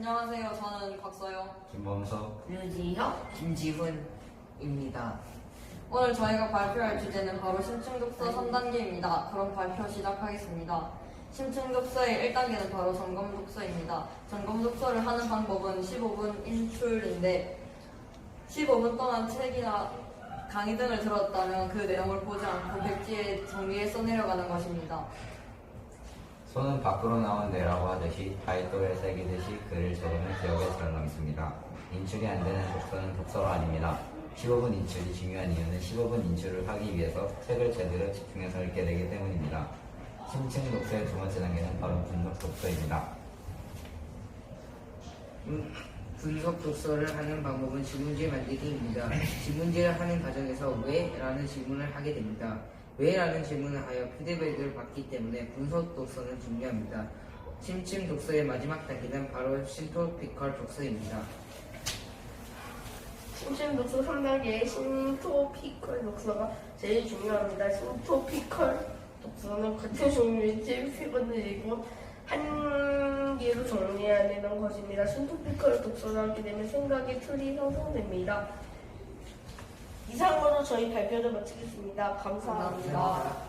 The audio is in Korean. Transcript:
안녕하세요. 저는 곽서영. 김범석. 류지혁, 김지훈입니다. 오늘 저희가 발표할 주제는 바로 심층독서 3단계입니다. 그럼 발표 시작하겠습니다. 심층독서의 1단계는 바로 점검독서입니다. 점검독서를 하는 방법은 15분 인출인데 15분 동안 책이나 강의 등을 들었다면 그 내용을 보지 않고 백지에 정리해 써내려가는 것입니다. 손은 밖으로 나온 뇌라고 하듯이 바위돌에 새기듯이 글을 적으면 기억에 잘 남습니다. 인출이 안 되는 독서는 독서가 아닙니다. 15분 인출이 중요한 이유는 15분 인출을 하기 위해서 책을 제대로 집중해서 읽게 되기 때문입니다. 심층 독서의 두 번째 단계는 바로 분석 독서입니다. 분석 독서를 하는 방법은 지문지 만들기입니다. 지문지를 하는 과정에서 왜? 라는 질문을 하게 됩니다. 왜? 라는 질문을 하여 피드백을 받기 때문에 분석 독서는 중요합니다. 심층 독서의 마지막 단계는 바로 신토피컬 독서입니다. 심층 독서 3단계의 신토피컬 독서가 제일 중요합니다. 신토피컬 독서는 같은 종류의 책 세 권을 읽고 한 개로 정리해야 되는 것입니다. 신토피컬 독서를 하게 되면 생각의 틀이 형성됩니다. 이상으로 저희 발표를 마치겠습니다. 감사합니다.